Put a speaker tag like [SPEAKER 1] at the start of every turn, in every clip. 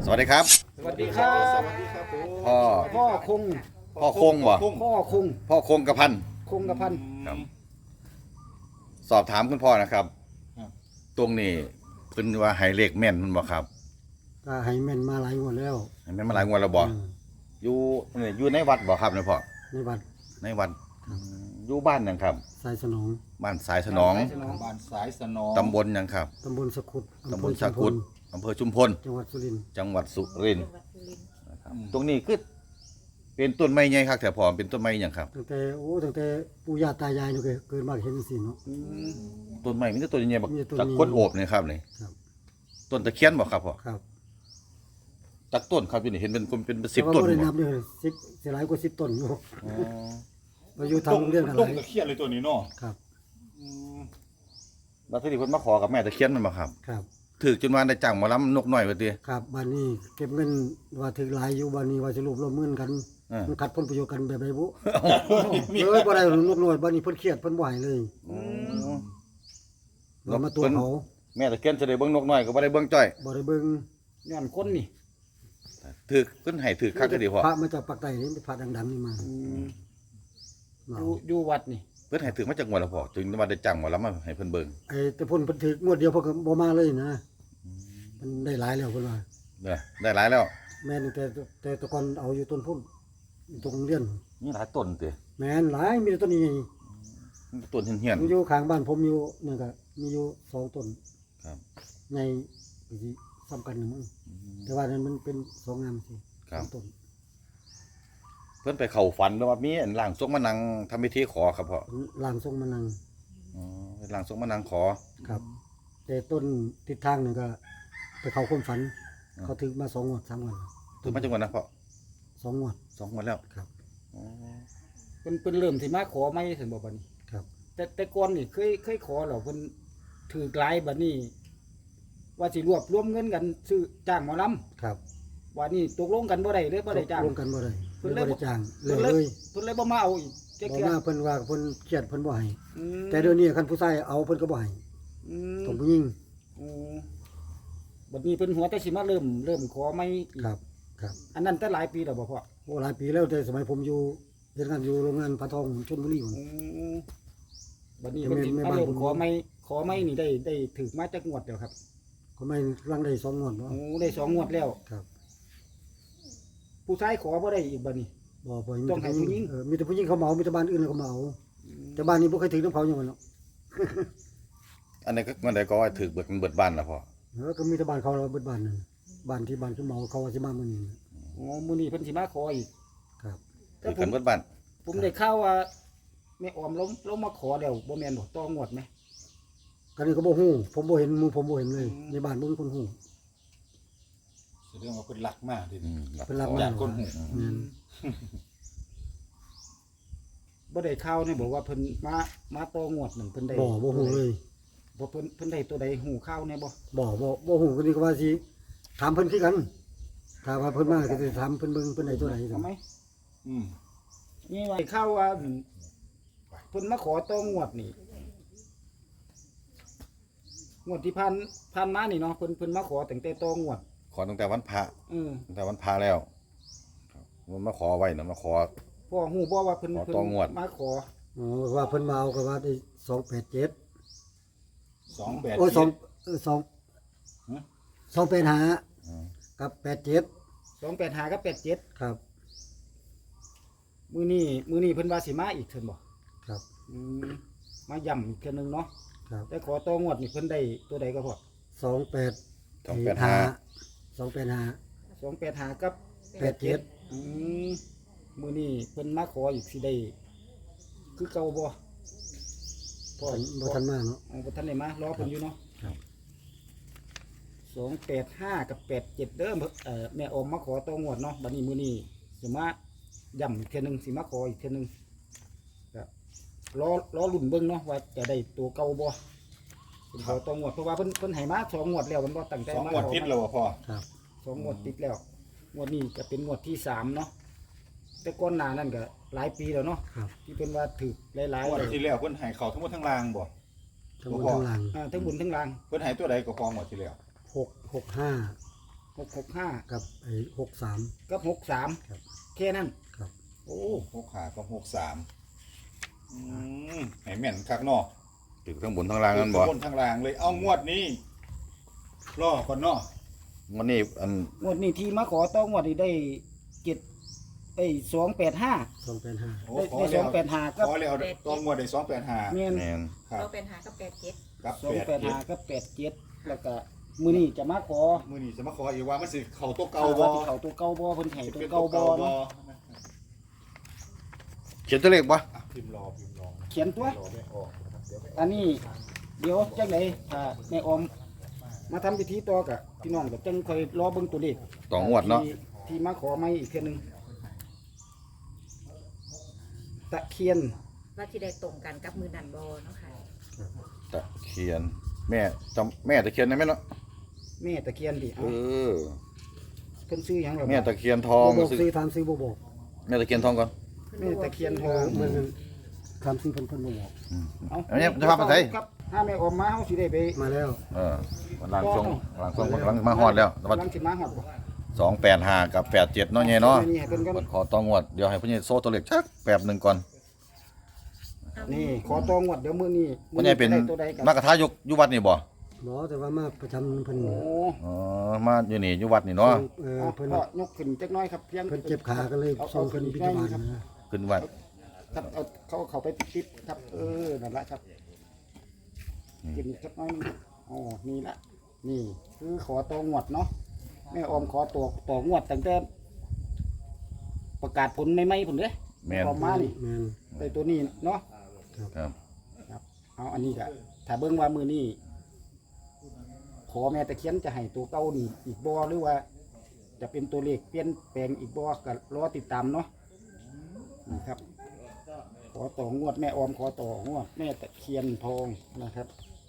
[SPEAKER 1] วัสดีครับ
[SPEAKER 2] สวัสดีครับ
[SPEAKER 3] สวัสดีครับผม
[SPEAKER 1] พ่อ
[SPEAKER 2] พ่อคง
[SPEAKER 1] พ่อคงบ่
[SPEAKER 2] พ่อคง
[SPEAKER 1] พ่อคงกระพัน
[SPEAKER 2] คงกระพัน
[SPEAKER 1] ครับ สอบถามคุณพ่อนะครับ
[SPEAKER 3] ครับ
[SPEAKER 1] ตรงนี้เพิ่นว่าให้เลขแม่นมันบ่ครับ
[SPEAKER 4] ก็ให้แม่นมาหลายงวดแล้ว
[SPEAKER 1] ให้แม่นมาหลายงวดแล้วบ่
[SPEAKER 4] อืม
[SPEAKER 1] อยู่ในวัดบ่ครับเนี่ยพ่อ
[SPEAKER 4] ในวัด
[SPEAKER 1] ในวัดอยู่บ้านหยังครับ
[SPEAKER 4] สายสนอง
[SPEAKER 1] บ้านสายสนอง
[SPEAKER 3] บ้านสายสนอง
[SPEAKER 1] ตำบลหยังครับ
[SPEAKER 4] ตำบลสะขุด
[SPEAKER 1] ตำบลสากุดอำเภอชุมพล
[SPEAKER 4] จังหวัดสุรินทร์
[SPEAKER 1] จังหวัดสุรินทร์นะครับตรงนี้คือเป็นต้นไม้ใหญ่ครับแต่พ่อเป็นต้นไม้หยังครับ
[SPEAKER 4] ตั้งแต่ปู่ย่าตายายนี่ก็เกิดมาเห็นจังซี่เนาะ
[SPEAKER 1] ต้นไม้มีแต่ต้นใหญ่ๆบัก
[SPEAKER 4] มีต้น
[SPEAKER 1] จากคนโอบนี่ครับนี่
[SPEAKER 4] ครับ
[SPEAKER 1] ต้นตะเคียนบ่ครับพ่อ
[SPEAKER 4] ครับ
[SPEAKER 1] จากต้นครับอยู่นี่เห็นเป็น10
[SPEAKER 4] แต่ว่า
[SPEAKER 1] ต้น
[SPEAKER 4] บ่ได้
[SPEAKER 1] บ่
[SPEAKER 4] นับเลย10สิหลายกว่า10ต้นอยู่
[SPEAKER 1] อ๋อ
[SPEAKER 4] มาอยู่ทางโรงเรียนกันห
[SPEAKER 3] ต้
[SPEAKER 4] ลาน ย
[SPEAKER 3] ตะเคียนเลยตัวนี้เนาะ
[SPEAKER 4] ครับ
[SPEAKER 1] แล้วที่เพิ่นมาขอกับแม่ตะเคียนมันบ่ครับ
[SPEAKER 4] ครับ
[SPEAKER 1] ถึกจนว่าได้จ้างหมอลำนกน้อยว่าติ
[SPEAKER 4] ครับบ้านนี้เก็บเงินว่าถึงหลายอยู่บ้านนี้ว่าสิรวบรวมเงินกัน
[SPEAKER 1] อ่ามั
[SPEAKER 4] มันขัดผลประโยชน์กันแบบใดบุบ่ได้ลูกน้อยบ้านนี้เพิ่นเครียดเพิ่นบ่ให้เลยว่ามาตัวเขา
[SPEAKER 1] แม่ตะเคียนจะได้เบิ่งนกน้อยก็บ่ได้เบิ่งจ้อย
[SPEAKER 4] บ่ได้เบิ่ง
[SPEAKER 2] ย้อนคนนี่
[SPEAKER 1] ถึกเพิ่นให้ถึกคักก็ดีพ่อ
[SPEAKER 4] พระมาจากปากใต้นี่เป็นพระดังๆนี่มามา
[SPEAKER 2] อยู่วัดนี่
[SPEAKER 1] เพิ่นให้ถึกมาจากงวดแล้วพ่อจึงว่าได้จ้างหมอลำมาให้เพิ่นเบิ่ง
[SPEAKER 4] ไอ้แต่เพิ่นถึกงวดเดียวเพิ่นก็บ่มาเลยนะมันได้หลายแล้วเพิ่นว่า
[SPEAKER 1] เด้อได้หลายแล้ว
[SPEAKER 4] แม่นแต่แตะก่อนเอาอยู่ต้นพุ่นอยู่ตรงโรงเรียน
[SPEAKER 1] มีหลายต้นติ
[SPEAKER 4] แม่นหลายมีแต่ต้นนี้
[SPEAKER 1] มีต้นเหี่ยน
[SPEAKER 4] มันอยู่ข้างบ้านผมอยู่นี่ก็มีอยู่2ต้น
[SPEAKER 1] ๆครับ
[SPEAKER 4] ในสิซ้ำกันนึงมั้งแต่ว่านั้นมันเป็น2งามสิ
[SPEAKER 1] ครับ
[SPEAKER 4] สองต้น
[SPEAKER 1] เพิ่นไปเข้าฝันแล้วว่ามีอันร่างทรงมานั่งทำพิธีขอครับพ่อ
[SPEAKER 4] ล่างทรงมานัง
[SPEAKER 1] อ๋อเป็นร่างทรงมานั่งขอ
[SPEAKER 4] ครับ แต่ต้นทิศทางนึงก็ไปเข้าความฝัน
[SPEAKER 1] อ่า
[SPEAKER 4] เขาถึกมา2งวด3งวด
[SPEAKER 1] ถึงมาจังหวัดนะพ่อ
[SPEAKER 4] 2งวด
[SPEAKER 1] 2งวดแล้ว
[SPEAKER 4] ครับ
[SPEAKER 1] อ๋อ
[SPEAKER 2] เพิ่นเริ่มที่มาขอไม่ถึงบ่บัดนี้
[SPEAKER 4] ครับ
[SPEAKER 2] แต่ก่อนนี่เคยขอแล้วเพิ่นถือหลายบัดนี้ ว่าสิรวบรวมเงินกันซื้อจ้างหมอล
[SPEAKER 4] ครับ
[SPEAKER 2] ำว่านี่ตกลงกันบ่ได้เลยบ่ได้จ้าง
[SPEAKER 4] รวมกันบ่ได้
[SPEAKER 2] เพิ่น
[SPEAKER 4] เลย
[SPEAKER 2] เลย
[SPEAKER 4] บ่ได้จ้างเล
[SPEAKER 2] เพิ่
[SPEAKER 4] ย
[SPEAKER 2] น
[SPEAKER 4] เล
[SPEAKER 2] เลย
[SPEAKER 4] ย
[SPEAKER 2] เพิ่นเลยบ่มาเอาอีกเจ๊
[SPEAKER 4] บ่
[SPEAKER 2] เกีย
[SPEAKER 4] มาเพิ่นว่าเพิ่นเครียดเพิ่นบ่ให้
[SPEAKER 2] อืม
[SPEAKER 4] แต่เดี๋ยวนี้คันผู้ชายเอาเพิ่นก็บ่ให้
[SPEAKER 2] อืม
[SPEAKER 4] ต้องผู้หญิง
[SPEAKER 2] อืมบัดนี้เพิ่นหัวแต่สิมาเริ่มขอไม่อีก
[SPEAKER 4] ครับ ครับ
[SPEAKER 2] อันนั้นแต่หลายปีแล้วบ่พ่อ
[SPEAKER 4] โอ้หลายปีแล้วแต่สมัยผมอยู่เฮ็ดงานอยู่โรงงานปลาทองชลบุรีพุ่น
[SPEAKER 2] อืมบัดนี้
[SPEAKER 4] แต่
[SPEAKER 2] เพิ่นสิ
[SPEAKER 4] แม่
[SPEAKER 2] มา
[SPEAKER 4] บ้าน
[SPEAKER 2] เริ่ม
[SPEAKER 4] ผม
[SPEAKER 2] ขอไม่นี่ได้ถึกมาจากงวดแล้วครับ
[SPEAKER 4] ก็ไม่รังได้2งวดบ่
[SPEAKER 2] โอ้ได้2งวดแล้ว
[SPEAKER 4] ครับ
[SPEAKER 2] ผู้ชายขอบ่ได้อีกบัดนี้
[SPEAKER 4] บ่มี
[SPEAKER 2] ต้อง
[SPEAKER 4] แต่
[SPEAKER 2] ให้ผู้หญิง
[SPEAKER 4] มีแต่ผู้หญิงเขาเหมามีแต่บ้านอื่นเขาเหมาแต่บ้านนี้บ่เคยถึงน้ำเขาอย่างนั้นหรอก
[SPEAKER 1] อันนี้ก็มันได้ก็ว่าถึกเบิดบ้านแล้วพ่อ
[SPEAKER 4] ก็มีแต่บ้านเขาเราเบิดบ้านนึงบ้านที่บ้านเขาเหมาเขาว่าสิมามื้อนี้
[SPEAKER 2] โอ้มื้อนี้เพิ่นสิมาขออีก
[SPEAKER 4] ครับ
[SPEAKER 2] แต่
[SPEAKER 1] ถึก
[SPEAKER 2] ผ
[SPEAKER 1] กั
[SPEAKER 2] ม
[SPEAKER 1] นเบิดบ้าน
[SPEAKER 2] ผมได้ข่าวว่าแม่ออมล้มมาขอแล้วบ่แม่นบ่ต้องวดไหม
[SPEAKER 4] กันนี้ก็บ่ฮู้ผมบ่เห็นหมู่ผมบ่เห็นเลยในบ้านบ่มีคนฮู้
[SPEAKER 3] แสดงว่าเพิ่นรักมากดิ
[SPEAKER 4] เพิ่นรับ
[SPEAKER 3] อ
[SPEAKER 4] มาย
[SPEAKER 3] ากคนหู
[SPEAKER 4] แม่น
[SPEAKER 2] บ่ได้ข่าวนี่บอกว่าเพิ่นมาต่องวดนั่นเพิ่นได้
[SPEAKER 4] บ่ฮู้เลย
[SPEAKER 2] บ่เพิ่นได้ตัวใดหูข่าวแน่บ่
[SPEAKER 4] บ่ฮู้กันนี่ก็ว่าสิถามเพิ่นคือกันถ้าว่าเพิ่นมาก็สิถามเพิ่นเบิ่งเพิ่นได้ตัวไหน
[SPEAKER 2] ทำไม
[SPEAKER 3] อืม
[SPEAKER 2] นี่ว่าข่าวว่าเพิ่นมาขอต่องวดนี่งวดที่ผ่านมานี่เนาะเพิ่นมาขอตั้งแต่ต่องวด
[SPEAKER 1] ขอตั้งแต่วันพระ ตั้งแต่วันพระแล้วครับมันมาขอไว้นะมาขอ
[SPEAKER 2] พ่อฮู้บ่ว่าเพิ่น
[SPEAKER 1] ขอต่องวด
[SPEAKER 2] มาขอ
[SPEAKER 4] อ๋อว่าเพิ่นมาเอาก็ว่าได้287
[SPEAKER 3] 28
[SPEAKER 4] โอ้ย285กับ87
[SPEAKER 2] 285กับ87
[SPEAKER 4] ครับ
[SPEAKER 2] มื้อนี้เพิ่นว่าสิมาอีกเพิ่นบ่
[SPEAKER 4] ครับ
[SPEAKER 2] มาย่ำอีกเทื่อนึงเนาะ
[SPEAKER 4] ครับ
[SPEAKER 2] แต่ขอต่องวดนี่เพิ่นได้ตัวใดก็พอ
[SPEAKER 4] 285
[SPEAKER 2] 285กับ
[SPEAKER 4] 87
[SPEAKER 2] อืมมื้อนี้เพิ่นมาขออีกสิได้คือเก่าบ่พ่อ
[SPEAKER 4] บ่ทันมาเนาะ
[SPEAKER 2] อ๋อบ่ทันได้มารอเพิ่นอยู่เนาะ
[SPEAKER 4] ครับ
[SPEAKER 2] 285กับ87เด้อแม่ออมมาขอต่องวดเนาะบัดนี้มื้อนี้สิมาย่ำอีกเทื่อนึงสิมาขออีกเทื่อนึงก็รอลุ้นเบิ่งเนาะว่าจะได้ตัวเก่าบ่เพิ่นขอต่องวดเพราะว่าเพิ่นให้มา2งวดแล้วมันบ่ตั้งใจ
[SPEAKER 3] 2
[SPEAKER 2] มา
[SPEAKER 3] งวดติดแล้วพ่อ
[SPEAKER 4] ครับ
[SPEAKER 2] 2งวดติดแล้วงวดนี้จะเป็นงวดที่3เนาะแต่ก่อนหน้านั้นก็หลายปีแล้วเนาะ
[SPEAKER 4] ครับ
[SPEAKER 2] ที่เป็นว่าถือหลาย
[SPEAKER 3] ง
[SPEAKER 2] ๆ
[SPEAKER 3] วด
[SPEAKER 2] เลย
[SPEAKER 3] ที่แล้วเพิ่นให้เขาทั้งหมดทั้งรางบ่
[SPEAKER 4] ทั้งบนทั้งหลัง
[SPEAKER 2] ทั้งบุญทั้งล่าง
[SPEAKER 3] เพิ่นให้ตัวใดก็พองวดที่แล้ว
[SPEAKER 4] 665
[SPEAKER 2] 665
[SPEAKER 4] กับไอ้63
[SPEAKER 2] กับ63
[SPEAKER 4] ครับ
[SPEAKER 2] แค่นั้น
[SPEAKER 4] ครับ
[SPEAKER 2] โอ้
[SPEAKER 3] 6 5กับ6 3ให้แม่นคักเนาะ
[SPEAKER 1] ถึงทั้งบนทั้งล่างนั่นบ่
[SPEAKER 3] บนทางล่างเลยเอางวดนี้รอก่อนเนาะ
[SPEAKER 1] วันนี้อัน
[SPEAKER 2] งวดนี้ที่มาขอต้องงวดนี้ได้285
[SPEAKER 4] 285
[SPEAKER 3] โอ้
[SPEAKER 2] ได้285กับ
[SPEAKER 3] ขอแล้วต้องงวดได้285
[SPEAKER 2] แม่น
[SPEAKER 1] แม่น
[SPEAKER 3] ครับ
[SPEAKER 5] เราเป็นหากับแปดเจ็ด
[SPEAKER 3] กับ
[SPEAKER 2] 285กับ87แล้วก็มื้อนี้จะมาขอ
[SPEAKER 3] มื้อนี้จะมาขออีกว่ามันสิเข้าตัวเก่า
[SPEAKER 2] ว่า
[SPEAKER 3] บ่
[SPEAKER 2] ที่เขาตัวเก่าบ่เพิ่นให้ตัว
[SPEAKER 3] เป็น
[SPEAKER 2] เก่าบ่เนาะ
[SPEAKER 1] เขียนตัวเลขบ่
[SPEAKER 3] พิมพ์รอ
[SPEAKER 2] เขียนตัว
[SPEAKER 3] รอไม่ออกนะครับเดี๋ยว
[SPEAKER 2] อันนี้เดี๋ยวจังไดถ้าแม่ออมมาทำพิธีต่อกับพี่น้องก็จังค่อยรอเบิ่งตัวเลข
[SPEAKER 1] ต่องวดเนาะ
[SPEAKER 2] ที่มาขอใหม่อีกเทื่อนึงตะเคียน
[SPEAKER 5] ว่าที่ได้ตรงกันกับมือนันบอเนาะค่ะ
[SPEAKER 1] ตะเคียน แม่จำแม่ตะเคียนได้ไหมเนาะ
[SPEAKER 2] แม่ตะเคียนดิ
[SPEAKER 1] เอ
[SPEAKER 2] เอา
[SPEAKER 1] อ
[SPEAKER 2] เพิ่นซื้อหยังหรอ
[SPEAKER 1] แม่ตะเคียนทอง
[SPEAKER 4] บ่บอก
[SPEAKER 1] ซื้อ
[SPEAKER 4] ซื้อถามซื้อบ่บอก
[SPEAKER 1] แม่ตะเคียนทองก่อน
[SPEAKER 2] แม่ตะเคียนทอง
[SPEAKER 4] เหมือนกันถามซื้อเพิ่นบ่บอก
[SPEAKER 2] เอา
[SPEAKER 1] อันนี้จะพาไปไหน
[SPEAKER 2] ครับถ้าแม่ออมมาเฮาสิได้ไป
[SPEAKER 4] มาแล้ว
[SPEAKER 1] เออหลังช่วงกำลังมาฮอดแล้วแต่ว่า
[SPEAKER 2] กำลังสิมาฮอดบ่
[SPEAKER 1] 285กับ87เนาะไงเนาะ
[SPEAKER 2] นี่ให้เพิ่นก่อน
[SPEAKER 1] ขอต้องวดเดี๋ยวให้พ่อใหญ่โซ่ตัวเลขชักแป๊บหนึงก่อน
[SPEAKER 2] นี่ขอตองวดเดี๋ยวมื้อนี้
[SPEAKER 1] พ่อใหญ่เป็น
[SPEAKER 2] ได้ตัวใดกัน
[SPEAKER 1] มากระทายกอยู่วัดนี่บ่
[SPEAKER 4] บ่แต่ว่ามาประจำเพิ่น
[SPEAKER 2] โอ้
[SPEAKER 1] อ๋อมาอยู่นี่อยู่วัดนี่เนาะ
[SPEAKER 2] เอา
[SPEAKER 4] เพิ่น
[SPEAKER 2] พ่อยกขึ้นจักหน้อยครับเพียง
[SPEAKER 4] เพิ่นเจ็บขาก็เลยส่งเพิ่นบิณฑบาตนะ
[SPEAKER 1] ขึ้นวัด
[SPEAKER 2] ครับเอาเขาไปติดๆครับนั่นละครับกินจักหน้อยนึงอ๋อนี่ละนี่คือขอตองวดเนาะแม่ออมขอต่องวดตั้งแต่ประกาศผลใหม่ๆพุ่นเด้
[SPEAKER 1] แม่น
[SPEAKER 2] ออกมานี่
[SPEAKER 4] แม่น
[SPEAKER 2] ได้ตัวนี้เนาะ
[SPEAKER 1] ครับ
[SPEAKER 2] เอาอันนี้ก็ถ้าเบิ่งว่ามือนี้ขอแม่ตะเคียนจะให้ตัวเก่านี่อีกบ่หรือว่า จะเป็นตัวเลขเปลี่ยนแปลงอีกบ่ก็รอติดตามเนาะนี่ครับ ขอต่องวดแม่ออมขอต่องวดแม่ตะเคียนทองนะครับ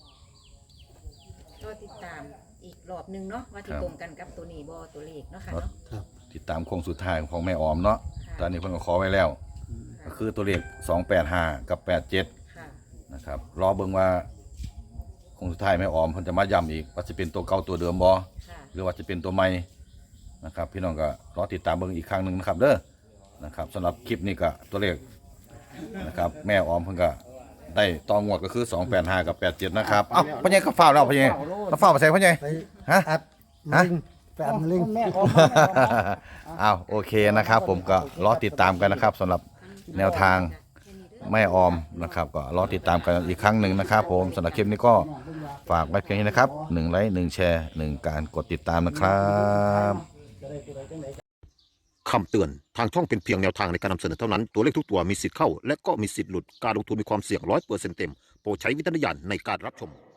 [SPEAKER 5] ก็ติดตามอีกรอบหนึงเนาะว่าที่ตรงกันกับตัวนี้บอตัวเลขเนาะค่ะเนาะ
[SPEAKER 4] ครับ
[SPEAKER 1] ติดตามโค้งสุดท้ายของแม่ออมเนาะ
[SPEAKER 5] ค่ะ
[SPEAKER 1] ตอนนี้เพิ่นก็ขอไว้แล้ว ก็คือตัวเลข285กับ87
[SPEAKER 5] ค่ะ
[SPEAKER 1] นะครับรอเบิ่งว่าโค้งสุดท้ายแม่ออมเพิ่นจะมาย้ำอีกว่าจะเป็นตัวเก่าตัวเดิมบ่
[SPEAKER 5] ค่ะ
[SPEAKER 1] หรือว่าจะเป็นตัวใหม่นะครับ พี่น้องก็รอติดตามเบิ่งอีกครั้งหนึงนะครับเด้อนะครับสำหรับคลิปนี้ก็ตัวเลขนะครับแม่ออมเพิ่นก็ได้ต่องวดก็คือ285กับ87นะครับเอ้าพ่อใหญ่ก็ฟ้าวแล้วพ่อใหญ่ก็ฟ้าวไปใส่พ่อใหญ่
[SPEAKER 4] ไป
[SPEAKER 1] ฮะ
[SPEAKER 4] อัดมะเร็งไปอัดมะเร็ง
[SPEAKER 2] แม่ออม
[SPEAKER 1] อ้าวโอเคนะครับ ผมก็รอติดตามกันนะครับสำหรับแนวทางแม่ออมนะครับ ก็รอติดตามกันอีกครั้งหนึ่งนะครับ ผมสำหรับคลิปนี้ก็ฝากไว้เพียงนี้นะครับ1ไลค์1แชร์1การกดติดตามนะครับ
[SPEAKER 6] คำเตือน ทางช่องเป็นเพียงแนวทางในการนำเสนอเท่านั้น ตัวเลขทุกตัวมีสิทธิ์เข้า และก็มีสิทธิ์หลุด การลงทุนมีความเสี่ยง100%เต็ม โปรดใช้วิจารณญาณในการรับชม